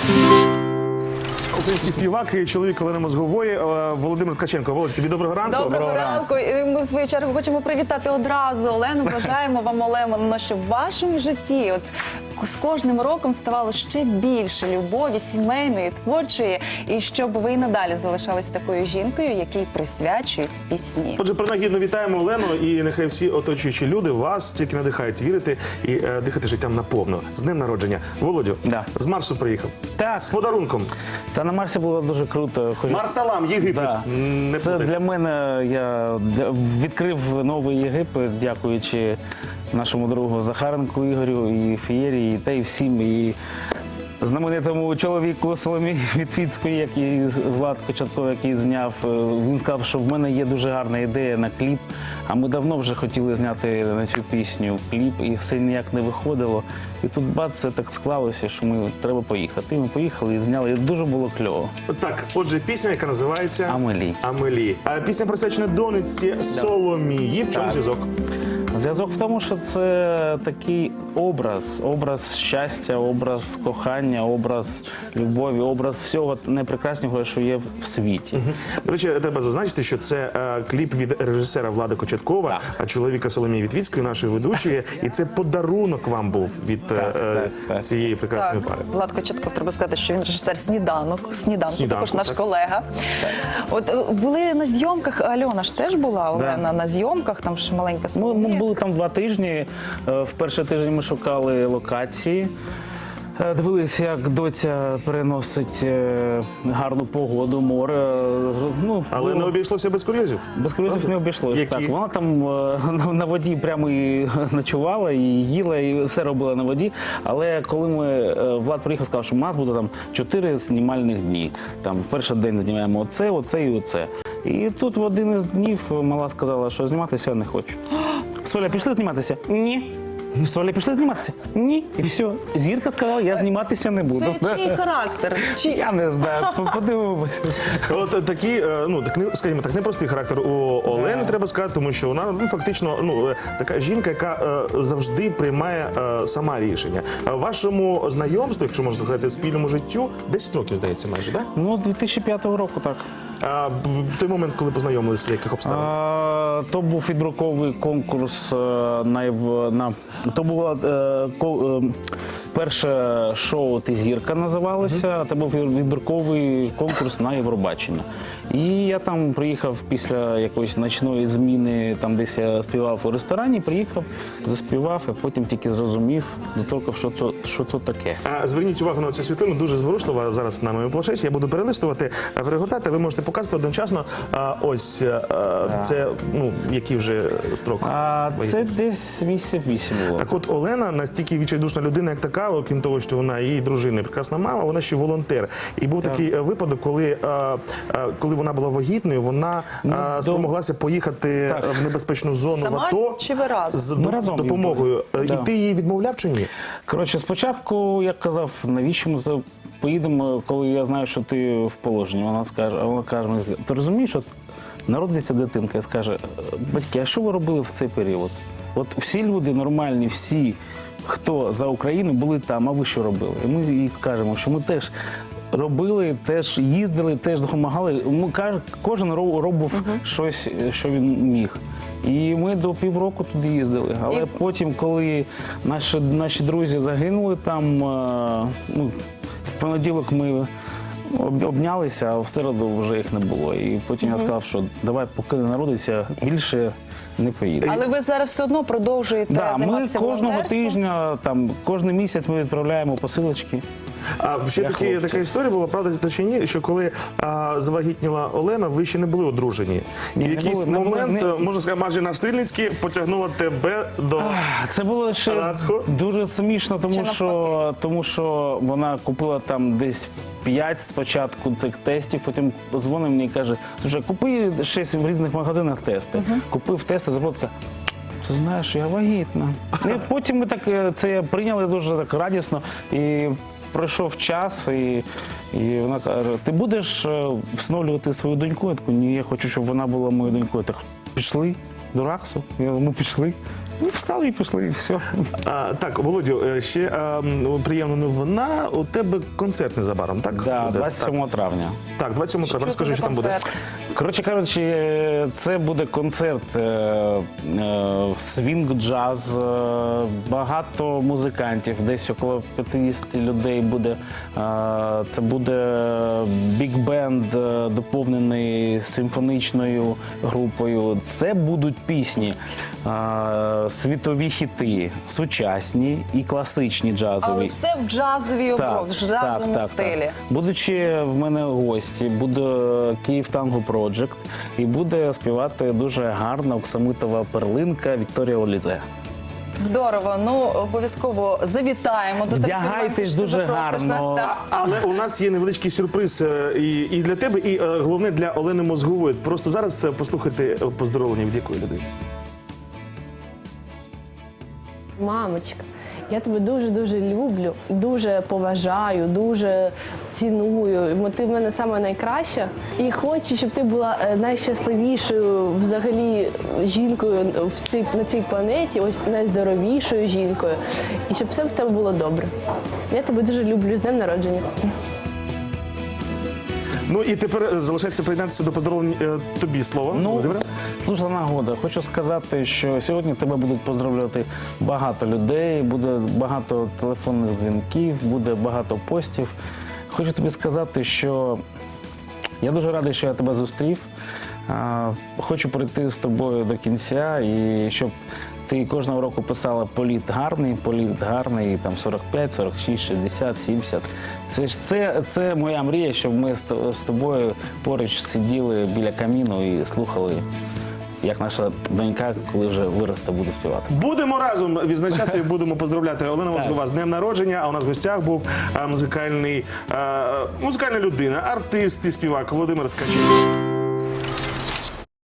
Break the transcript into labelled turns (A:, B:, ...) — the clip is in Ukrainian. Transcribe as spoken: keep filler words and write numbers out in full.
A: Український співак і чоловік Олени Мозгової Володимир Ткаченко. Володь, тобі доброго ранку.
B: Доброго ранку. І ми, в свою чергу, хочемо привітати одразу Олену. Бажаємо вам, Олено, щоб в вашому житті от з кожним роком ставало ще більше любові сімейної, творчої, і щоб ви і надалі залишались такою жінкою, якій присвячують пісні.
A: Отже, принагідно вітаємо Олену, і нехай всі оточуючі люди вас тільки надихають вірити і е, дихати життям наповно. З днем народження. Володю,
C: Да.
A: з Марсу приїхав.
C: Так.
A: З подарунком.
C: Та на Марсі було дуже круто. Хочу-
A: Марсалам, Єгипет.
C: Да.
A: Не
C: Це
A: плутай.
C: для мене, я для- відкрив новий Єгипет, дякуючи нашому другу Захаренку Ігорю, і Фієрі, і та й всім, і знаменитому чоловіку Соломії Вітвіцької, який Влад Кочетков, який зняв. Він сказав, що в мене є дуже гарна ідея на кліп, а ми давно вже хотіли зняти на цю пісню кліп, і все ніяк не виходило. І тут бац, це так склалося, що ми треба поїхати. І ми поїхали і зняли, і дуже було кльово.
A: Так, отже, пісня, яка називається
C: Амелі.
A: Амелі. А пісня присвячена донечці Соломії. В чому
C: Так.
A: зв'язок?
C: Зв'язок в тому, що це такий образ, образ щастя, образ кохання, образ любові, образ всього найпрекраснішого, що є в світі.
A: До речі, треба зазначити, що це е, кліп від режисера Влада Кочеткова,
C: Так.
A: а чоловіка Соломії Вітвіцької, нашої ведучої. І це подарунок вам був від е,
C: Так, так, так.
A: цієї прекрасної
B: Так,
A: пари.
B: Влад Кочетков, треба сказати, що він режисер «Сніданок», «Сніданку»,
A: «Сніданку»,
B: також наш
A: так.
B: колега. От е, були на зйомках, Альона ж теж була, Олена,
C: Да.
B: на зйомках, там ж маленька
C: Ми,
B: Соломія.
C: ми були там два тижні. Е, В перший тиждень ми шукали локації. Е, Дивилися, як доця переносить е, гарну погоду, море. Е, Ну,
A: Але
C: було-
A: не обійшлося без курйозів.
C: без курйозів не обійшлося.
A: Які?
C: Так, вона там е, на- на воді прямо і ночувала, і їла, і все робила на воді. Але коли ми е, Влад приїхав, сказав, що у нас буде там чотири знімальних дні. Там в перший день знімаємо оце, оце і оце. І тут в один із днів мала сказала, що зніматися я не хочу. Соля, пішли зніматися? Ні. Соля, пішли зніматися? Ні. І все. Зірка сказала, я зніматися не буду.
B: Це чий характер? Чи...
C: Я не знаю, подивимося.
A: От такі, е, ну так не- скажімо так, непростий характер у Олени, треба сказати, тому що вона ну фактично ну е, така жінка, яка е, завжди приймає е, сама рішення. А в вашому знайомстві, якщо можна сказати, спільному життю, десять років, здається, майже, так?
C: Ну, з дві тисячі п'ятого року, так.
A: А в той момент, коли познайомилися, з яких обставин?
C: А, то був відбірковий конкурс е, на, Єв- на то було е, ко- е, перше шоу «Ти зірка» називалося, а це був відбірковий конкурс на Євробачення. І я там приїхав після якоїсь ночної зміни, там десь я співав у ресторані, приїхав, заспівав, а потім тільки зрозумів, доторкав, що це, що це таке.
A: А зверніть увагу на цю світлину, дуже зворушлива зараз на моєму планшеті. Я буду перелистувати, а, перегортати. Ви можете показувати одночасно. А, ось а, це ну який вже строк.
C: А це
A: вагітності?
C: десь місяців вісім було.
A: Так от Олена настільки відчайдушна людина, як така, окрім того, що вона її дружина, і прекрасна мама, вона ще волонтер. І був такий е, випадок, коли, е, е, коли вона була вагітною, вона е,
C: до-
A: спромоглася поїхати
C: Так.
A: в небезпечну зону
B: Сама
A: в АТО
B: чи ви разом?
A: з
C: Ми
A: до-
C: разом
A: допомогою.
C: їздили.
A: Е,
C: Да.
A: І ти її відмовляв чи ні?
C: Коротше, спочатку я казав, навіщо ми то поїдемо, коли я знаю, що ти в положенні. Вона скаже, а вона каже, мені, ти розумієш, от народиться дитинка і скаже, батьки, а що ви робили в цей період? От всі люди нормальні, всі, хто за Україну, були там, а ви що робили? І ми їй скажемо, що ми теж робили, теж їздили, теж допомагали. Ми, каж- кожен ро- робив щось, що він міг. І ми до півроку туди їздили. Але
B: І-
C: потім, коли наші, наші друзі загинули там, е, ну, в понеділок ми об- обнялися, а в середу вже їх не було. І потім я сказав, що давай, поки не народиться, більше не поїду.
B: Але ви зараз все одно продовжуєте
C: Да, ми
B: займатися
C: кожного
B: волонтерством?
C: тижня, там, кожен місяць ми відправляємо посилочки.
A: А ще
C: Для
A: такі,
C: хлопців.
A: така історія була, правда та чи ні, що коли а, завагітніла Олена, ви ще не були одружені. І
C: Ні,
A: в
C: не
A: якийсь
C: були, не були,
A: момент,
C: не-
A: е, можна сказати, майже насильницьки потягнула тебе до...
C: Це було ще
A: Рацько?
C: дуже смішно,
B: Чи
C: тому
B: навпаки?
C: що, тому що вона купила там десь п'ять спочатку цих тестів, потім дзвонить мені і каже, слушай, купи шість в різних магазинах тести. Купив тести, заплатка. Ти знаєш, я вагітна. І потім ми так е, це прийняли дуже так радісно. І пройшов час, і, і вона каже, ти будеш е, всиновлювати свою доньку? Я таку, ні, я хочу, щоб вона була моєю донькою. Так, пішли до РАКСу, Я- ми пішли. Ну, встали і пішли, і все.
A: А, так, Володю, е, ще е, м, приємна новина. У тебе концерт незабаром, так?
C: Да,
A: буде?
C: двадцять сьомого травня.
A: Так, двадцять сьомого травня. Розкажи,
B: це
A: що
B: за
A: там буде.
B: концерт?
C: Коротше кажучи, це буде концерт е, е, свінг-джаз, е, багато музикантів, десь около п'ятдесят людей буде. Е, це буде бік-бенд, е, доповнений симфонічною групою. Це будуть пісні, е, світові хіти, сучасні і класичні джазові.
B: Але все в джазовій обров, в джазовому стилі.
C: Будуть ще в мене гості, буде Київ Танго Project і буде співати дуже гарна оксамитова перлинка Вікторія Олізе.
B: Здорово, ну обов'язково завітаємо до тебе.
C: Вдягайтесь
B: Сподіваємося, що ти
C: дуже
B: запросиш
C: гарно.
B: нас, так.
A: Але у нас є невеличкий сюрприз е, і, і для тебе, і е, головне для Олени Мозгової. Просто зараз е, послухайте е, поздоровлення від якої людини.
D: Мамочка, я тебе дуже-дуже люблю, дуже поважаю, дуже ціную. Бо ти в мене саме найкраща. І хочу, щоб ти була е, найщасливішою взагалі жінкою в цій, на цій планеті, ось найздоровішою жінкою. І щоб все в тебе було добре. Я тебе дуже люблю. З днем народження.
A: Ну і тепер е, залишається приєднатися до поздоровлень е, тобі слово.
C: Ну,
A: Володимире.
C: слушна нагода. Хочу сказати, що сьогодні тебе будуть поздравляти багато людей, буде багато телефонних дзвінків, буде багато постів. Хочу тобі сказати, що я дуже радий, що я тебе зустрів. А, Хочу прийти з тобою до кінця і щоб ти кожного року писала політ гарний, політ гарний, там сорок п'ять, сорок шість, шістдесят, сімдесят. Це ж це, це моя мрія, щоб ми з то- з тобою поруч сиділи біля каміну і слухали, як наша донька, коли вже виросте, буде співати.
A: Будемо разом відзначати, будемо поздравляти Олена Мозгова з днем народження. А у нас в гостях був е, музикальний, е, музикальна людина, артист і співак Володимир Ткаченко.